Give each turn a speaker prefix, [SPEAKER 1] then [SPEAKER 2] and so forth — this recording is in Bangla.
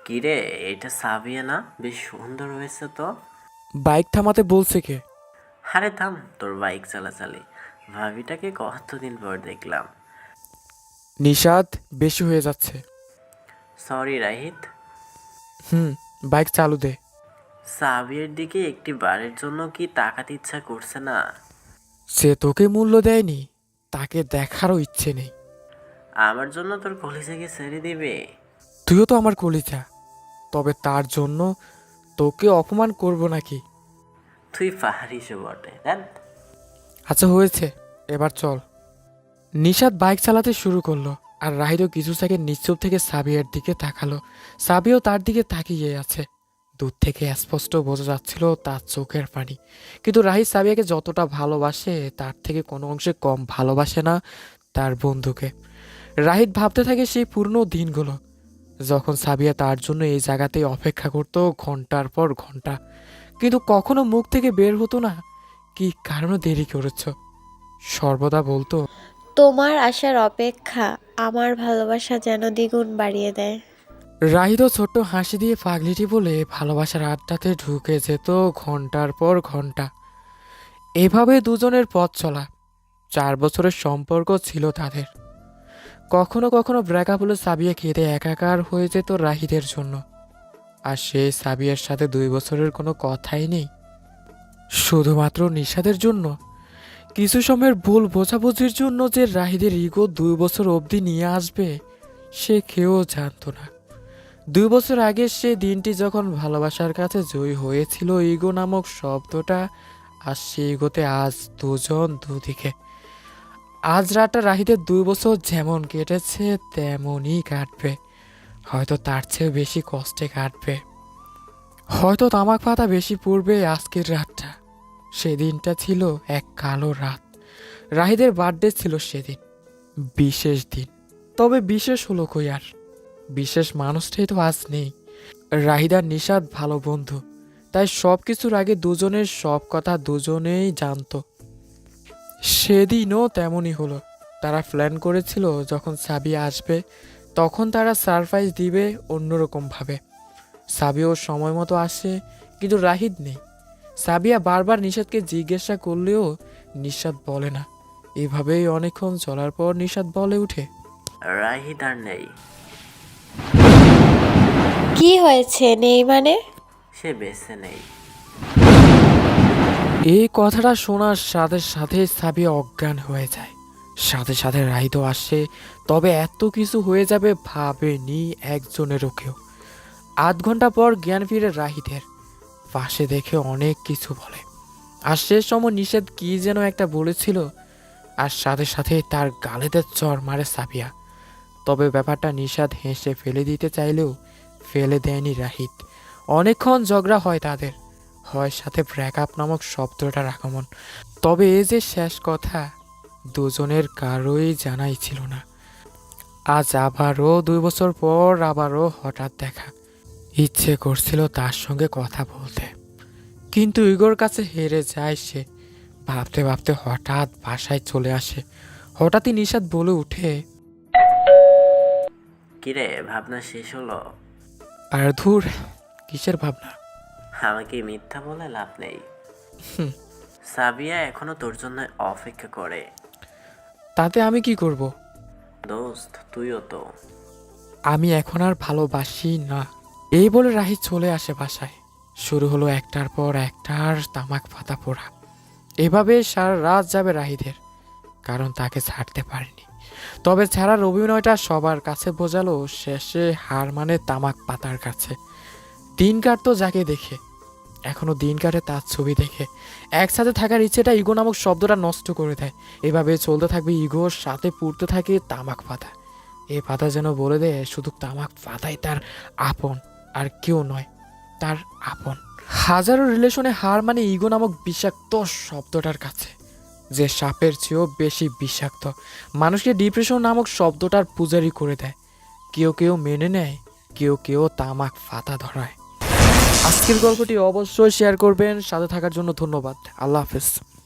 [SPEAKER 1] কিরে, এটা সাবিয়া না? বেশ সুন্দর হয়েছে তো।
[SPEAKER 2] বাইক থামাতে বলছে কে?
[SPEAKER 1] আরে থাম তোর বাইক চালাচালি। ভাবিটাকে কতদিন পর দেখলাম।
[SPEAKER 2] নিষাদ, বেশি হয়ে যাচ্ছে।
[SPEAKER 1] সরি রাহিত।
[SPEAKER 2] হুম, বাইক চালু দে।
[SPEAKER 1] সাবিয়ার দিকে একটি বারের জন্য কি তাকাতে ইচ্ছা করছে না?
[SPEAKER 2] সে তোকে মূল্য দেয়নি, তাকে দেখারও ইচ্ছে নেই।
[SPEAKER 1] আমার জন্য তোর কলিজাকে ছেড়ে দিবে?
[SPEAKER 2] তুইও তো আমার কলিজা, তবে তার জন্য তোকে অপমান করব নাকি?
[SPEAKER 1] তুই পাহাড়িসও বটে, দেখ।
[SPEAKER 2] আচ্ছা হয়েছে, এবার চল। নিষাদ বাইক চালাতে শুরু করলো, আর রাহিদও কিছু সেকেন্ড নিশ্চুপ থেকে সাবিয়ার দিকে তাকালো। সাবিয়াও তার দিকে তাকিয়ে আছে। দূর থেকে স্পষ্ট বোঝা যাচ্ছিল তার চোখের পানি। কিন্তু রাহিদ সাবিয়াকে যতটা ভালোবাসে তার থেকে কোনো অংশে কম ভালোবাসে না তার বন্ধুকে। রাহিদ ভাবতে থাকে সেই পুরনো দিনগুলো, যখন সাবিয়া তার জন্য এই জায়গাতেই অপেক্ষা করত ঘন্টার পর ঘন্টা, কিন্তু কখনো মুখ থেকে বের হতো না কি কারণে দেরি করেছ। সর্বদা বলতো,
[SPEAKER 3] তোমার আসার অপেক্ষা আমার ভালোবাসা যেন দ্বিগুণ বাড়িয়ে দেয়।
[SPEAKER 2] রাহিদও ছোট্ট হাসি দিয়ে পাগলিটি বলে ভালোবাসার আড্ডাতে ঢুকে যেত ঘন্টার পর ঘন্টা। এভাবে দুজনের পথ চলা। 4 বছরের সম্পর্ক ছিল তাদের। কখনো কখনো ব্রেকআপ হলে সাবিয়া কেঁদে একাকার হয়ে যেত রাহিদের জন্য। আর সেই সাবিয়ার সাথে 2 বছরের কোনো কথাই নেই, শুধুমাত্র নিষাদের জন্য। কিছু সময়ের ভুল বোঝাবুঝির জন্য যে রাহিদের ইগো 2 বছর অবধি নিয়ে আসবে সে কেউ জানতো না। 2 বছর আগে সে দিনটি যখন ভালোবাসার কাছে জয়ী হয়েছিল ইগো নামক শব্দটা, আর সেই ইগোতে আজ দুজন দুদিকে। আজ রাতটা রাহিদের 2 বছর যেমন কেটেছে তেমনই কাটবে, হয়তো তার চেয়ে বেশি কষ্টে কাটবে। হয়তো তামাক পাতা বেশি পড়বে আজকের রাতটা। সেদিনটা ছিল এক কালো রাত। রাহিদের বার্থডে ছিল সেদিন, বিশেষ দিন। তবে বিশেষ হলো কই আর, বিশেষ মানুষটাই তো আজ নেই। রাহিদার নিষাদ ভালো বন্ধু, তাই সব কিছুর আগে দুজনের সব কথা দুজনেই জানতো। সেদিনও তেমনই হলো। তারা প্ল্যান করেছিল যখন সাবিয়া আসবে তখন তারা সারপ্রাইজ দিবে অন্যরকমভাবে। সাবিয়াও সময় মতো আসে, কিন্তু রাহিদ নেই। সাবিয়া বারবার নিষাদকে জিজ্ঞাসা করলেও নিষাদ বলে না। এভাবেই অনেকক্ষণ চলার পর নিষাদ বলে উঠে,
[SPEAKER 1] রাহিত আর নেই।
[SPEAKER 3] কি হয়েছে নেই মানে?
[SPEAKER 1] সে বেঁচে নেই।
[SPEAKER 2] এই কথাটা শোনার সাথে সাথে সাবিয়া অজ্ঞান হয়ে যায়। সাথে সাথে রাহিদও আসে, তবে এত কিছু হয়ে যাবে ভাবেনি একজনেরও কেউ। 8 ঘন্টা পর জ্ঞান ফিরে রাহিদের। পাশে দেখে অনেক কিছু বলে, আর শেষ সময় নিষেধ কি যেন একটা বলেছিল, আর সাথে সাথে তার গালেতে চড় মারে সাবিয়া। তবে ব্যাপারটা নিষাদ হেসে ফেলে দিতে চাইলেও ফেলে দেয়নি রাহিদ। অনেকক্ষণ ঝগড়া হয় তাদের, হয় সাথে ব্রেকআপ নামক শব্দটার আগমন। তবে এই যে শেষ কথা দুজনের কারোই জানাই ছিল না। আজ আবারও 2 বছর পর আবারও হঠাৎ দেখা। ইচ্ছে করছিল তার সঙ্গে কথা বলতে, কিন্তু ইগোর কাছে হেরে যায় সে। ভাবতে ভাবতে হঠাৎ বাসায় চলে আসে। হঠাৎই নিষাদ বলে উঠে,
[SPEAKER 1] কিরে, ভাবনা শেষ হলো?
[SPEAKER 2] আর ধুর, কিসের ভাবনা?
[SPEAKER 1] আমাকে মিথ্যা বলে লাভ নেই।
[SPEAKER 2] হুম,
[SPEAKER 1] সাবিয়া এখনো তোর জন্য অপেক্ষা করে।
[SPEAKER 2] তাতে আমি কি করব?
[SPEAKER 1] দোস্ত, তুইও তো।
[SPEAKER 2] আমি এখন আর ভালোবাসি না। এই বলে রাহিদ চলে আসে বাসায়। শুরু হলো একটার পর একটার তামাক পাতা পোড়া। এভাবে সারা রাত যাবে রাহিদের, কারণ তাকে ছাড়তে পারেনি। তবে ছাড়ার অভিনয়টা সবার কাছে বোঝালো শেষে হার মানে তামাক পাতার কাছে। দিন কাটতো যাকে দেখে, এখনো দিন কাটে তার ছবি দেখে। একসাথে থাকার ইচ্ছেটা ইগো নামক শব্দটা নষ্ট করে দেয়। এভাবে চলতে থাকবে, ইগোর সাথে পুড়তে থাকে তামাক পাতা। এই পাতা যেন বলে দেয় শুধু তামাক পাতাই তার আপন, আর কেউ নয় তার আপন। হাজারো রিলেশনে হার মানে ইগো নামক বিষাক্ত শব্দটার কাছে, যে সাপের চেয়েও বেশি বিষাক্ত। মানুষকে ডিপ্রেশন নামক শব্দটার পূজারি করে দেয়। কেউ কেউ মেনে নেয়, কেউ কেউ তামাক ফাতা ধরায়। আজকের গল্পটি অবশ্যই শেয়ার করবেন। সাথে থাকার জন্য ধন্যবাদ। আল্লাহ হাফেজ।